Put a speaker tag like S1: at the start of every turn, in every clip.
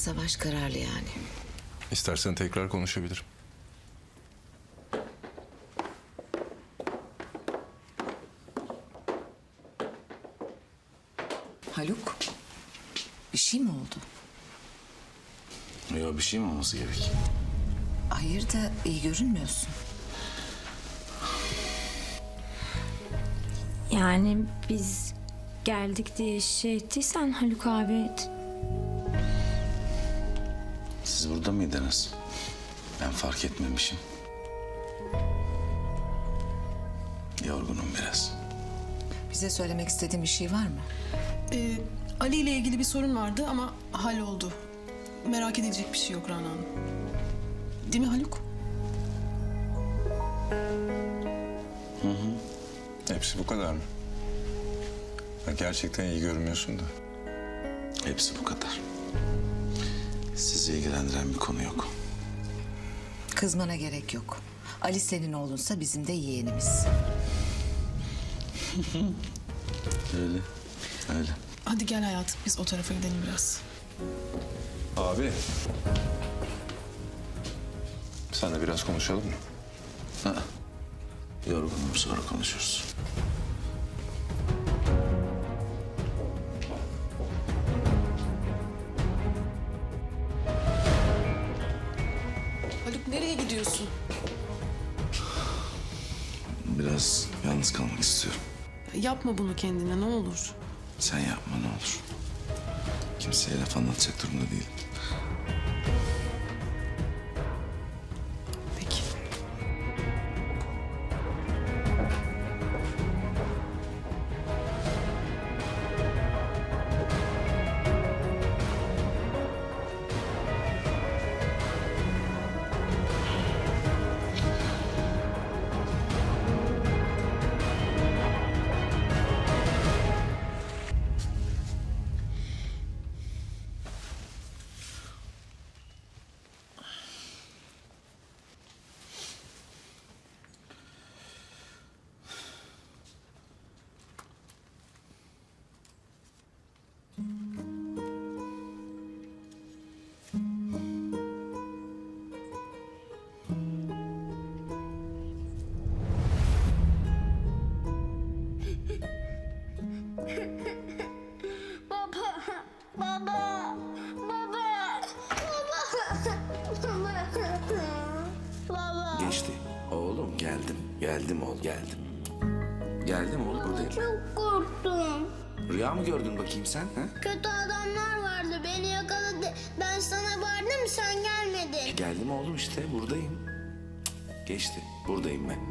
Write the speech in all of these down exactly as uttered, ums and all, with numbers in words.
S1: Savaş kararlı yani.
S2: İstersen tekrar konuşabilirim.
S1: Haluk, bir şey mi oldu?
S3: Yok, bir şey mi olması gerek?
S1: Hayır da iyi görünmüyorsun.
S4: Yani biz geldik diye şey ettiysen Haluk abi...
S3: Siz burada mıydınız? Ben fark etmemişim. Yorgunum biraz.
S1: Bize söylemek istediğin bir şey var mı?
S5: Ee, Ali ile ilgili bir sorun vardı ama halloldu. Merak edilecek bir şey yok Rana Hanım. Değil mi Haluk?
S2: Hepsi bu kadar mı? Ya gerçekten iyi görünmüyorsun da.
S3: Hepsi bu kadar. Sizi ilgilendiren bir konu yok.
S1: Kızmana gerek yok. Ali senin oğlunsa bizim de yeğenimiz.
S3: Öyle, öyle.
S5: Hadi gel hayatım, biz o tarafa gidelim biraz.
S2: Abi. Sen de biraz konuşalım mı?
S3: Ha. Yorgunum, sonra konuşuruz.
S5: Haluk nereye gidiyorsun?
S3: Biraz yalnız kalmak istiyorum.
S5: Yapma bunu kendine ne olur.
S3: Sen yapma ne olur. Kimseye laf anlatacak durumda değilim.
S5: Peki.
S6: Baba, baba, baba, baba, baba.
S3: Geçti. Oğlum geldim. Geldim oğlum geldim. Geldim oğlum buradayım.
S6: Çok korktum.
S3: Rüya mı gördün bakayım sen? Ha?
S6: Kötü adamlar vardı, beni yakaladı. Ben sana bağırdım, sen gelmedin.
S3: Geldim oğlum işte buradayım. Cık, Geçti. Buradayım ben.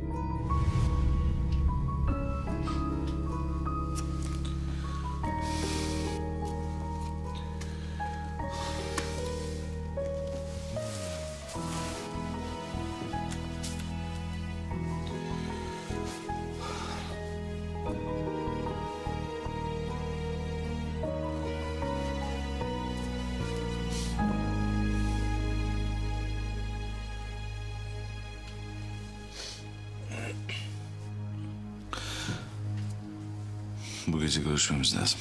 S3: Bu gece görüşmemiz lazım.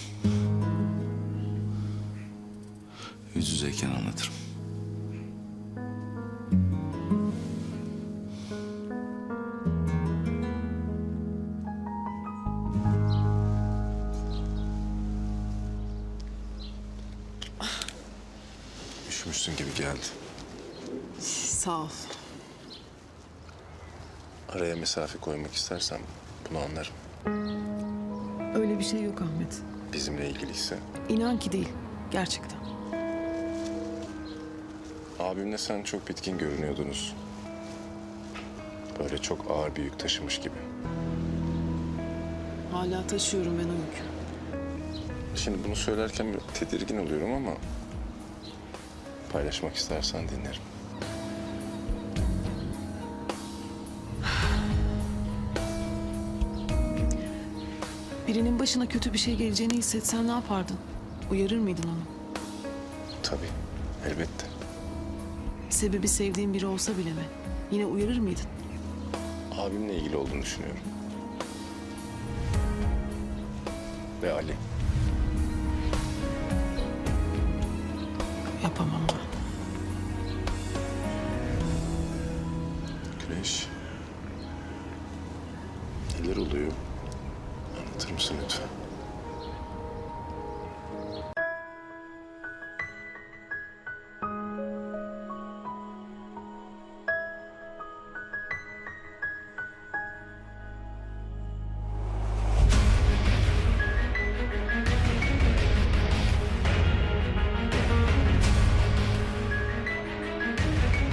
S3: Yüz yüzeyken anlatırım.
S2: Üşümüşsün gibi geldi.
S5: Sağ ol.
S2: Araya mesafe koymak istersen bunu anlarım.
S5: Öyle bir şey yok Ahmet.
S2: Bizimle ilgiliyse.
S5: İnan ki değil, gerçekten.
S2: Abimle sen çok bitkin görünüyordunuz. Böyle çok ağır bir yük taşımış gibi.
S5: Hala taşıyorum ben o yükü.
S2: Şimdi bunu söylerken biraz tedirgin oluyorum ama... paylaşmak istersen dinlerim.
S5: Birinin başına kötü bir şey geleceğini hissetsen ne yapardın? Uyarır mıydın onu?
S2: Tabii, elbette.
S5: Sebebi sevdiğin biri olsa bile mi? Yine uyarır mıydın?
S2: Abimle ilgili olduğunu düşünüyorum. Ve Ali.
S5: Yapamam ben.
S2: Güneş. Neler oluyor? Anlatır mısın lütfen?